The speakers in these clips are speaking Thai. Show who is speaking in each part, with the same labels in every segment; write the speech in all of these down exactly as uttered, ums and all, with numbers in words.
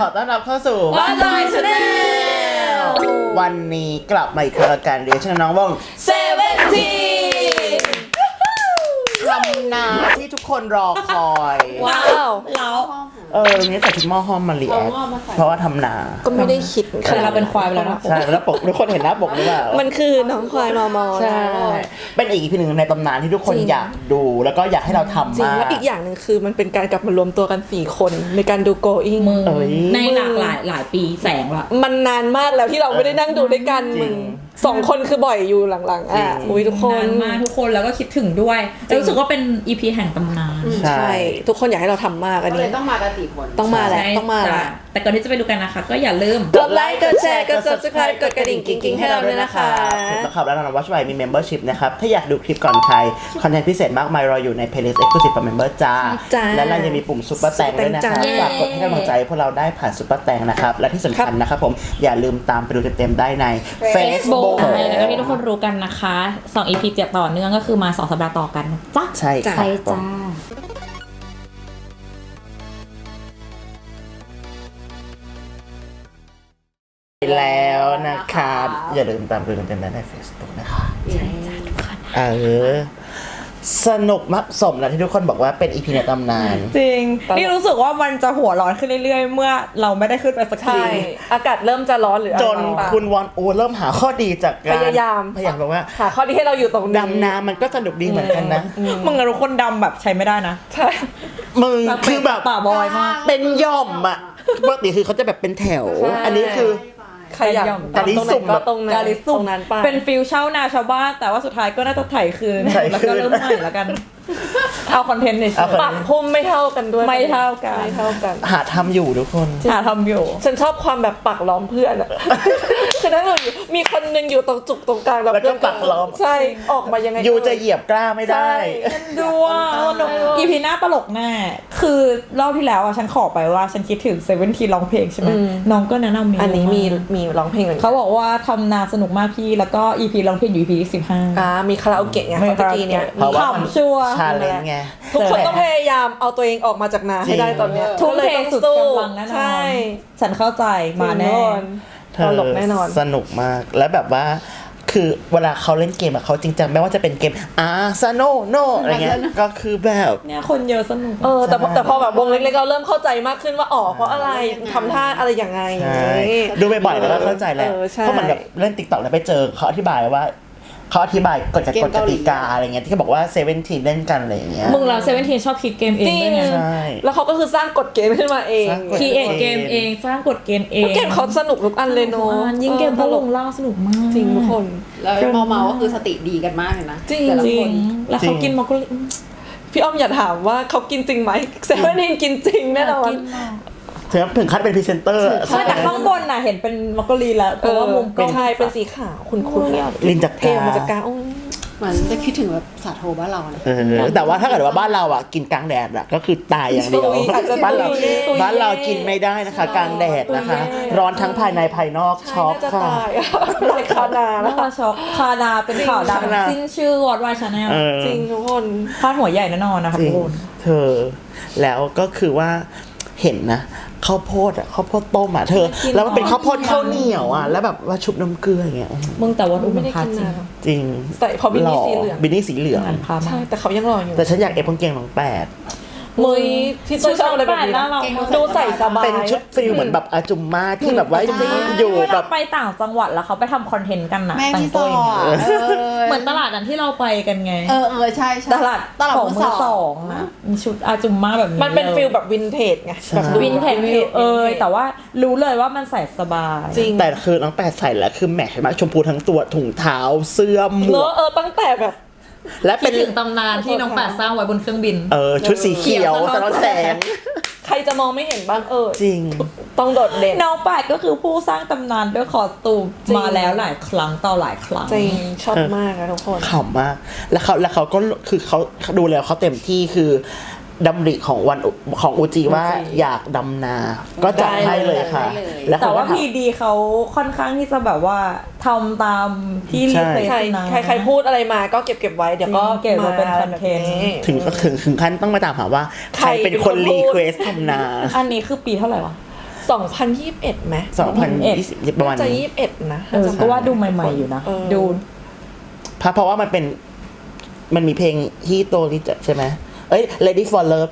Speaker 1: อต้อนรับเข้าสู่
Speaker 2: One Boy Channel
Speaker 1: วันนี้กลับมาอีกครั้งกับการเรียนชื่อน้องวง
Speaker 2: เซเว่นที
Speaker 1: ทำนาที่ทุกคนรอคอย
Speaker 2: ว้าวแล้ว
Speaker 1: เออวันนี้ใส่ชุดหม้อห้อมมาเรียนเพราะว่าทำนา
Speaker 3: ก็ไม่ได้คิด
Speaker 2: คือเราเป็นควายไปแล้วนะ
Speaker 1: ใช่แล้วปกทุกคนเห็นหน้าปกหรือเปล่า
Speaker 3: มันคือน้องควายมอมอ
Speaker 1: ใช่เป็นอีกพีหนึ่งในตำนานที่ทุกคนอยากดูแล้วก็อยากให้เราทำ
Speaker 3: จริง
Speaker 1: มาก
Speaker 3: และอีกอย่างหนึ่งคือมันเป็นการกลับมารวมตัวกันสี่คนในการดู going
Speaker 2: มือ
Speaker 1: เอ้ย
Speaker 2: ในหลากหลายหลายปีแสงละ
Speaker 3: มันนานมากแล้วที่เราไม่ได้นั่งดูด้วยกัน
Speaker 1: จริง
Speaker 3: มึงสองคนคือบ่อยอยู่หลังๆอ่ะ
Speaker 1: จริง
Speaker 3: อุ้ยทุกคน
Speaker 2: นานมากทุกคนแล้วก็คิดถึงด้วยแล้วรู้สึกว่าเป็น อี พี แห่งตำนาน
Speaker 1: ใช่
Speaker 3: ใช่ทุกคนอยากให้เราทำมากอัน
Speaker 4: ก็เล
Speaker 3: นี้
Speaker 4: ยต้องมากันสี่คน
Speaker 3: ต้องมาแหละ
Speaker 2: ใช่
Speaker 3: ต้องมาแหละ
Speaker 2: จ้ะแต่ก่อนที่จะไปดูกันนะคะ ก็อย่าลืม
Speaker 3: กดไลค์กดแชร์กด subscribe กดกระดิ่งกิ๊งๆให้เราด้วยนะคะ
Speaker 1: ถูกนะครับแล้วเราวัชไวมี membership นะครับถ้าอยากดูคลิปก่อนใครคอนเทนต์พิเศษมากมายรออยู่ใน playlist exclusive for member จ้า
Speaker 3: จ้า
Speaker 1: และเรายังมีปุ่มซุปเปอร์แตงด้วยนะครับ
Speaker 3: เย้
Speaker 1: ฝากกดให้กำลังใจพวกเราได้ผ่านซุปเปอร์แตงนะครับและที่สำคัญนะครับผมอย่าลืมตามไปดูเต็มๆได้ใน Facebook
Speaker 2: ใช่แล้วก็ที่ทุกคนรู้กันนะคะสอง อี พี เจ็ดต่อเนื่องก็คือมาสองสัปดาห์ต่อกันนะจ้ะ
Speaker 1: ใช่ครับ
Speaker 2: ใช่จ้า
Speaker 1: แล้วนะครับอย่าลืมตามไปดูเต็มๆได้ใน Facebook นะคะ
Speaker 2: ใช่จ้าทุกคน
Speaker 1: เออสนุกมากสมแล้วที่ทุกคนบอกว่าเป็นอีพีในตำนาน
Speaker 5: จริง นี่รู้สึกว่ามันจะหัวร้อนขึ้นเรื่อยๆ เมื่อเราไม่ได้ขึ้นไปสักที
Speaker 3: ใช่อากาศเริ่มจะร้อนหรือ
Speaker 1: จนคุณวอนโอเริ่มหาข้อดีจากการ
Speaker 3: พยายาม
Speaker 1: พยายามบอกว่า
Speaker 3: หาข้อดีให้เราอยู่ตรงนี้
Speaker 1: ดำน้ำมันก็สนุกดีเหมือนกันนะ
Speaker 5: มึงอะทุกคนดำแบบใช้ไม่ได้นะ
Speaker 3: ใช่
Speaker 1: มึงคือแบบ
Speaker 5: ป่าบอยมาก
Speaker 1: เป็นหย่อมอ่ะปกติคือเขาจะแบบเป็นแถว
Speaker 3: ใช่
Speaker 1: อันนี้คือ
Speaker 3: ใครอยาก
Speaker 1: กาลิสุ่ม
Speaker 3: ก็ตรงนั้น
Speaker 5: กาลิสุ่
Speaker 3: ต
Speaker 5: ม
Speaker 3: รงนั้นไป
Speaker 5: เป็นฟิลเช่านาชาวบ้าน แต่ว่าสุดท้ายก็น่าจะไถคืน
Speaker 1: ไถคืน
Speaker 5: แล้วก็เริ่มใหม่แล้วกัน เอาคอนเทนต์ใน
Speaker 1: เอา
Speaker 5: ชี
Speaker 3: ปรับพุ่มไม่เท่ากันด้วย
Speaker 5: ไม่เท่ากัน
Speaker 3: ไม่เท่ากัน
Speaker 1: หาทำอยู่ทุกคน
Speaker 5: หาทำอยู่
Speaker 3: ฉันชอบความแบบปักล้อมเพื่อนอะ คือถ้าเราอยู่มีคนหนึงอยู่ตรงจุกตรงกลาง
Speaker 1: แล้วก็
Speaker 3: เพื่น
Speaker 1: ปักล้อม
Speaker 3: ใช่ออกมายังไง
Speaker 1: ยูจะเหยียบกล้าไม่ได้
Speaker 5: ดูว่าอีพีหน้าตลกแน่ คือรอบที่แล้วอ่ะฉันขอไปว่าฉันคิดถึงเซเว่นทีร้องเพลงใช่ไหมน้องก็แนะนำเมนู
Speaker 3: อันนี้มี
Speaker 5: า
Speaker 3: มีร้องเพลงเหมือนกั
Speaker 5: เขา
Speaker 3: น
Speaker 5: บอกว่าทำนาสนุกมากพี่ แล้วก็ อี พี ร้องเพลงอยู่ อี พี ที่สิบห้า
Speaker 3: อ่ามีคาราโอเกะไง
Speaker 5: มี
Speaker 3: เมื่อกี้เนี่ย
Speaker 1: เพราะว่ามัน
Speaker 5: ขำชัวร์
Speaker 1: ชาเลนจ์ไง
Speaker 3: ทุกคนต้องพยายามเอาตัวเองออกมาจากนาให้ได้ตอนเนี้ย
Speaker 5: ทุ่มเท
Speaker 3: ก็ลยต้อง
Speaker 5: สุด
Speaker 3: สู้
Speaker 5: กำลังแน่นอน
Speaker 3: ใช่
Speaker 5: ฉันเข้าใจมาแน่
Speaker 1: เธอ
Speaker 3: ตลกแน่นอน
Speaker 1: สนุกมากแล้วแบบว่าคือเวลาเขาเล่นเกมอะเขาจริงจังไม่ว่าจะเป็นเกมอาร์ซโนโนอะไรเงี้ยก็คือแบบ
Speaker 5: เนี่ยคนเยอะสนุก
Speaker 3: เออแต่พอแต่พอแบบวงเล็กๆเราเริ่มเข้าใจมากขึ้นว่าอ๋อเพราะอะไรทำท่าอะไรยังไง
Speaker 1: ใช่ดูบ่อยๆแล้วก็เข้าใจแหละ
Speaker 3: เออใช่
Speaker 1: เพราะเหมือนแบบเล่นติ๊กต็อกแล้วไปเจอเขาอธิบายว่าเขาอธิบายกฎกติกาอะไรเงี้ยที่เขาบอกว่าเซเว่นทีเล่นกันอะไรอย่างเงี้ย
Speaker 5: มึงเราเซเว่นทีชอบคิดเกมเองด้วยไง
Speaker 1: ใช่
Speaker 3: แล้วเขาก็คือสร้างกฎเกณฑ์ขึ้นมาเอง
Speaker 1: สร้างกฎ
Speaker 5: คีเอทเกมเองสร้างกฎเกณฑ์เอง
Speaker 3: เกมเขาสนุกทุกอันเลยเนาะ
Speaker 5: ยิ่งเกม
Speaker 3: ออ
Speaker 5: ต
Speaker 3: ต
Speaker 5: ล
Speaker 3: ล
Speaker 5: ก
Speaker 3: ก
Speaker 5: เล่าสนุกมาก
Speaker 3: จริงทุกคน
Speaker 4: แล้วเมาเมาๆก็คือสติดีกันมากเลยนะ
Speaker 3: จริง
Speaker 4: แต่ละ
Speaker 5: จริ
Speaker 4: ค
Speaker 5: ง
Speaker 4: น
Speaker 5: แล้วเขากินมาก็
Speaker 3: พี่อ้อมอย่าถามว่าเขากินจริงไหมเซเว่นทีนกินจริงแน่นอน
Speaker 1: ถึงถึงขั้นเป็นพรีเซนเตอร์
Speaker 5: ใช่แต่ข้างบนน่ะเห็นเป็นมักกะลีแล้วเพราะว่ามุมกล้อง
Speaker 3: ใช่เป็นสีขาวคุณคุณ
Speaker 1: ลินจาก
Speaker 3: เท
Speaker 1: กา
Speaker 3: มาจากกาโอ้ย
Speaker 4: เหมือนจะคิดถึงแบบสาโทบ้านเรานะ
Speaker 1: เออแต่ว่าถ้าเกิดว่าบ้านเราอ่ะกินกลางแดดอ่ะก็คือตายอย่างเดียว
Speaker 3: อาจจะ
Speaker 1: บ้านเรา
Speaker 3: ตุย
Speaker 1: บ้านเรากินไม่ได้นะคะกลางแดดนะคะ ร้อนทั้งภายในภายนอกช็อก
Speaker 3: น่าจะ
Speaker 1: ค่ะ
Speaker 3: ตายอะในคานา
Speaker 5: น่า
Speaker 3: นะ
Speaker 5: จะช็อกคานาเป็นข่าวดัง
Speaker 1: คานา
Speaker 5: สิ้นชื่อวอดวายชาแนล
Speaker 1: เออ
Speaker 3: จริงทุกคน
Speaker 5: พาดหัวใหญ่แน่นอนนะคะ
Speaker 1: จริ
Speaker 5: ทุ
Speaker 1: ง
Speaker 5: กคน
Speaker 1: เธอแล้วก็คือว่าเห็นนะข้าวโพดอ่ะข้าวโพดต้มอ่ะเธอ แล้วมันเป็นข้าวโพดข้าวเหนียวอ่ะแล้วแบบว่าชุบน้ำเกลืออย่างเงี้ย
Speaker 5: มึงแต่ว่าดู
Speaker 3: ไม่
Speaker 5: มัน
Speaker 3: ได้
Speaker 5: พา
Speaker 3: กิน
Speaker 5: จริง
Speaker 3: นาน
Speaker 1: จริง
Speaker 3: ใส่พอบินนี่สีเหลือง
Speaker 1: บินนี่สีเหลือง
Speaker 5: อันพามา
Speaker 3: ใช่แต่เขายังรออยู่
Speaker 1: แต่ฉันอยากเอฟกางเกงของแปด
Speaker 3: มุยพี่ตุ้ยชอบอะไรแบบนี้
Speaker 5: น่ารั
Speaker 3: นะ
Speaker 5: ก
Speaker 3: ดูใส่สบาย
Speaker 1: เป็นชุดฟิลเหมือนแบบอาจุมมาที่แบบว่าอยู่
Speaker 5: เว
Speaker 1: แบ
Speaker 5: ลา
Speaker 1: บ
Speaker 5: ไปต่างจังหวัดแล้วเขาไปทำคอนเทนต์กันนะ
Speaker 4: แม่
Speaker 5: แต่ง
Speaker 4: พี่ซ
Speaker 5: ตัว
Speaker 4: อ
Speaker 5: อย่างเงี้ย
Speaker 4: อ่ะเออ
Speaker 5: เหมือนตลาดนั้นที่เราไปกันไง
Speaker 4: เออเออใช่ใช่
Speaker 5: ตลาด
Speaker 4: ตลาด
Speaker 5: ของ
Speaker 4: มื
Speaker 5: มื
Speaker 4: อ
Speaker 5: อ
Speaker 4: ส
Speaker 5: ส
Speaker 4: อ
Speaker 5: อง งนะมีชุดอาจุมมาแบบนี้
Speaker 3: มันเป็นฟิลแบบวินเทจไงแบบดู
Speaker 5: วินเทจวิวเอยแต่ว่ารู้เลยว่ามันใส่สบาย
Speaker 3: จริง
Speaker 1: แต่คือน้องแปดใส่แล้วคือแมทใช่ไหมชมพูทั้งตัวถุงเท้าเสื้อหม
Speaker 3: เน
Speaker 1: ว
Speaker 3: อะ
Speaker 1: ก
Speaker 3: เออตั้งแต่แบบ
Speaker 1: และ
Speaker 5: คิ
Speaker 1: เป็
Speaker 5: ด
Speaker 1: น
Speaker 5: ถึงตำนานที่น้องแปดสร้างไว้บนเครื่องบิน
Speaker 1: เออชุดสีเขียวสะท้อนแสง
Speaker 3: ใครจะมองไม่เห็นบ้างเออ
Speaker 1: จริง
Speaker 3: ต้องโดดเด่น
Speaker 5: น้องแปดก็คือผู้สร้างตำนานด้วยคอสตูม
Speaker 3: จริง
Speaker 5: มาแล้วหลายครั้งต่อหลายครั้ง
Speaker 3: จริงชอบมากนะทุกคน
Speaker 1: ขำมาก แล้วเขาแล้วเขาก็คือเขาดูแล้วเขาเต็มที่คือดำริของวันของอูจีว่าอยากดำนา ก็จัดให้เลยค่ะ
Speaker 4: ได้เลย
Speaker 1: แล้ว
Speaker 5: แต่
Speaker 1: เขาก็
Speaker 5: ว่า
Speaker 1: ทำ
Speaker 5: พีดีเขาค่อนข้างที่จะแบบว่าทำตามที่รี
Speaker 1: ใช่
Speaker 5: เควส
Speaker 3: ใคร
Speaker 5: นะ
Speaker 3: ใครใครพูดอะไรมาก็เก็บเก็บไว้เดี๋ยวก็
Speaker 5: จริงเก็บไว้เป็นคอนเทนต์
Speaker 1: ถึงก็ถึงถึงขั้นต้องมาตามหาว่า ใครเป็นคน
Speaker 3: ใครเป็นคนพู
Speaker 1: รี
Speaker 3: ด
Speaker 1: เควสทำนา
Speaker 5: อันนี้คือปีเท่าไหร่วะ
Speaker 3: สองพันยี่สิบเอ็ดไหม
Speaker 1: สองพันยี่สิบประมาณ
Speaker 3: จะ
Speaker 1: นี้
Speaker 3: ยี่สิบเอ็ดนะ
Speaker 5: เออก็ว่าดูใหม่ๆอยู่นะ
Speaker 3: เออ
Speaker 5: ดู
Speaker 1: เพราะเพราะว่ามันเป็นมันมีเพลงที่โตนี่จะใช่ไหมเอ้ย Lady for Love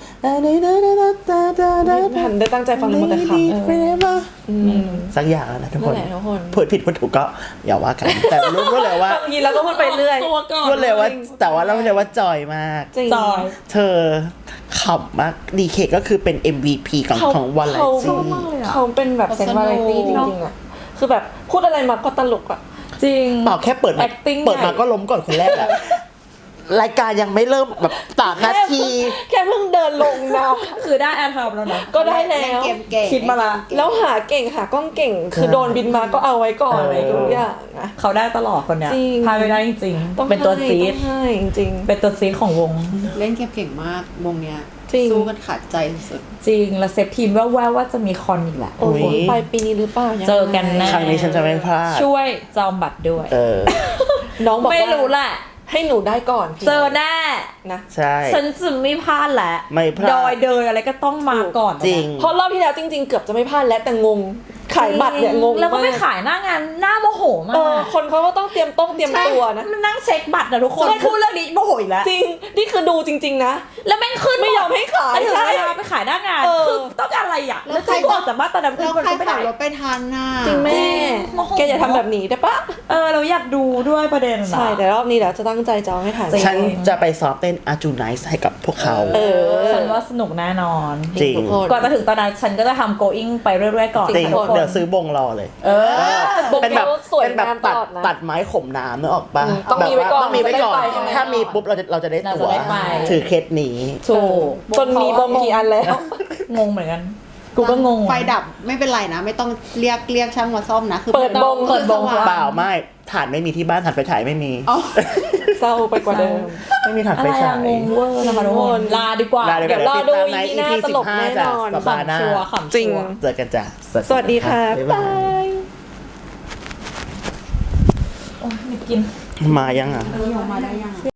Speaker 3: ทันได้ตั้งใจฟังเลยหมดแต่คำ
Speaker 1: Forever
Speaker 3: อืม
Speaker 1: สักอย่างแล้วนะทุกค
Speaker 3: นั่น
Speaker 1: น
Speaker 3: แหละทุกคน
Speaker 1: พูดผิดพูดถูกก็อย่าว่ากัน แต่รู้รู้เลยว่า
Speaker 3: บางทีเราก็พูดไปเรื่อย
Speaker 2: ตัวก่อน
Speaker 1: พูดเลยว่า แต่ว่าเราเลยว่าจอยมาก
Speaker 3: จริง
Speaker 5: จอย
Speaker 1: เธอขำมาก ดี เค ก็คือเป็น เอ็ม วี พี ของ
Speaker 3: เขา
Speaker 1: ของวันไล
Speaker 3: เขา
Speaker 1: ซี
Speaker 3: เขาเป็นแบบเซนวาไรตี้จริงๆอ่ะคือแบบพูดอะไรมาก็ตลกอ่ะ
Speaker 5: จริง
Speaker 1: เปล่าแค่เปิดมา
Speaker 5: acting
Speaker 1: เปิดมา
Speaker 5: ใหญ่
Speaker 1: ก็ล้มก่อนคนแรกอะรายการยังไม่เริ่มแบบสามนาที
Speaker 3: แค่เพิ่งเดินลงนะ
Speaker 5: คือได้แอร์ทอมแล้วนะ
Speaker 3: ก็ได้แล้
Speaker 4: เล่น
Speaker 3: ว
Speaker 4: เกมเก่ง
Speaker 5: คิดมาละ
Speaker 3: แล้วหาเก่งหากล้องเก่ง คือโดนบินมาก็เอาไว้ก่อน
Speaker 1: เอออ
Speaker 3: อะไรทุกอย่างนะ
Speaker 5: เขาได้ตลอดคนเนี้ย
Speaker 3: จริง
Speaker 5: พลาดไม่ได้จริง
Speaker 3: ต้อง
Speaker 5: ๆเป็นตัว
Speaker 3: ให้
Speaker 5: ซีด
Speaker 3: ต้องให้จริง
Speaker 5: เป็นตัวซีดของวง
Speaker 4: เล่นเกมเก่งมากวงเนี้ย
Speaker 3: จริง
Speaker 4: สู้กันขาดใจสุด
Speaker 5: จริง แล้วเซฟทีมแว่วๆว่าจะมีคอนอีกแหละ
Speaker 3: ๆโอ้โห
Speaker 1: อุ๊ย
Speaker 3: ปลายปีนี้หรือเปล่ายังไง
Speaker 5: เจอกันแน่
Speaker 1: ครั้งนี้ฉันจะไม่พลาด
Speaker 5: ช่วยจองบัตรด้วย
Speaker 1: เออ
Speaker 3: น้องบอกว่า
Speaker 5: ไม่รู้แหละ
Speaker 3: ให้หนูได้ก่อน
Speaker 5: เจอแน่
Speaker 3: นะ
Speaker 1: ใช่
Speaker 5: ฉันจะไม่พลาดแหละ
Speaker 1: ไม่พลาด
Speaker 5: ดอยเดินอะไรก็ต้องมาก่อน
Speaker 1: จริง
Speaker 3: เพราะรอบที่แล้วจริง ๆ เกือบจะไม่พลาดแล้วแต่งงขายบัตรเนี่ยงง
Speaker 5: แล้วก็ไม่
Speaker 3: มาก
Speaker 5: ขายหน้างานหน้าโมโหมา
Speaker 3: เออก คนเขาก็ต้องเตรียมต้องเตรียมตัวนะ
Speaker 5: มันนั่งเช็คบัตรนะทุกคน
Speaker 3: ใช่
Speaker 5: พูดเรื่องนี้โมโหอีกแล้ว
Speaker 3: จริง นี่คือดูจริง ๆ นะ
Speaker 5: แล้วแม่งขึ้น
Speaker 3: ไม่ยอมให้ขาย
Speaker 5: ถึง
Speaker 3: ใช่
Speaker 5: เวลาไปขายหน้างาน
Speaker 3: เออ
Speaker 5: คือต้องการอะไรอ่ะ
Speaker 4: แล้
Speaker 5: แล้ว
Speaker 4: ว
Speaker 5: ใคร
Speaker 4: ใคร
Speaker 5: ออกจากบ้านตอนนั้น
Speaker 4: ๆ แล้ว
Speaker 5: คน
Speaker 4: ใคร
Speaker 5: ก็ไม่
Speaker 4: ขั
Speaker 5: ได้
Speaker 4: บรถไปทันน่ะ
Speaker 3: จริงแม่
Speaker 5: โมโห
Speaker 3: แกอย่าทำแบบนี้ได้ปะ
Speaker 5: เออเราอยากดูด้วยประเด็นนะ
Speaker 3: ใช่แต่รอบนี้เดี๋ยวจะตั้งใจจองให้ถ่าย
Speaker 5: จริง
Speaker 1: ฉันจะไปซ้อมเต้นอาจูไนส์ให้กับพวกเขา
Speaker 3: เออ
Speaker 5: ฉันว่าสนุกแน่นอน
Speaker 1: จริง
Speaker 3: ทุกคน
Speaker 5: ก่อนจะถึงตอนนั้นฉันก็จะทำ going ไปเรื่อยๆก่อน
Speaker 1: จริง
Speaker 5: ค่ะทุกคน
Speaker 1: เดี๋ยวซื้อบงรอเลย
Speaker 5: เออ
Speaker 3: บง
Speaker 1: เป็นแบบ
Speaker 3: เขาสวย
Speaker 1: เป็นแบบ
Speaker 3: งามต
Speaker 1: ตัด
Speaker 3: ลอดนะ
Speaker 1: ตัดไม้ขมน้ำนึกออกปะ
Speaker 3: อืมต้อง
Speaker 1: แบบ
Speaker 3: มีไว้ก่อน
Speaker 1: ต้องมีไว้ก่อน
Speaker 3: จะได้ไป
Speaker 1: ถ้ามีปุ๊บเราจะเราจะได้
Speaker 5: เรา
Speaker 1: ตั๋
Speaker 5: จะ
Speaker 1: ว
Speaker 5: ได้ไป
Speaker 1: ถือเคสนี้
Speaker 5: ถูก
Speaker 3: จนมีบงกี่อันแล้ว
Speaker 5: งงเหมือนกัน กูก็งง
Speaker 4: ไฟดับไม่เป็นไรนะ ไม่ต้องเรียกเรียกช่างมาซ่อมนะ คือ
Speaker 3: เปิดบง
Speaker 4: เปิดบง
Speaker 1: เปล่าไม่ถ่านไม่มีที่บ้านถ่านไฟฉายไม่มี
Speaker 4: อ๋อ
Speaker 3: เศร้าไปกว่าเดิม
Speaker 1: ไม่มีถ่าน
Speaker 5: อะ
Speaker 1: ไฟ
Speaker 5: ไร
Speaker 1: ฉา
Speaker 5: อะ
Speaker 1: ย
Speaker 5: งงเวอร์นะคะทุกคน ลาดีกว่า
Speaker 1: ลาดีก
Speaker 3: เดี๋ยวรอดู
Speaker 1: ติตามใน
Speaker 3: อี
Speaker 1: อี
Speaker 3: พี
Speaker 1: พี
Speaker 3: หน้า
Speaker 1: สิ
Speaker 3: ตล
Speaker 1: บ
Speaker 3: ก
Speaker 1: ห้า
Speaker 3: แน่
Speaker 1: จ้ะ
Speaker 3: นอน
Speaker 1: สัปดาห์หน้า
Speaker 5: ขำชัวร์ขำ
Speaker 3: จริง
Speaker 5: ชัวร์
Speaker 1: เจอกันจ้ะ
Speaker 3: สวัสดีค่ะ
Speaker 1: บ๊าย
Speaker 3: บา
Speaker 1: บาย
Speaker 3: ย
Speaker 5: โอ้ยไม่กิน
Speaker 1: มายังอ่ะ
Speaker 4: มาได้ยัง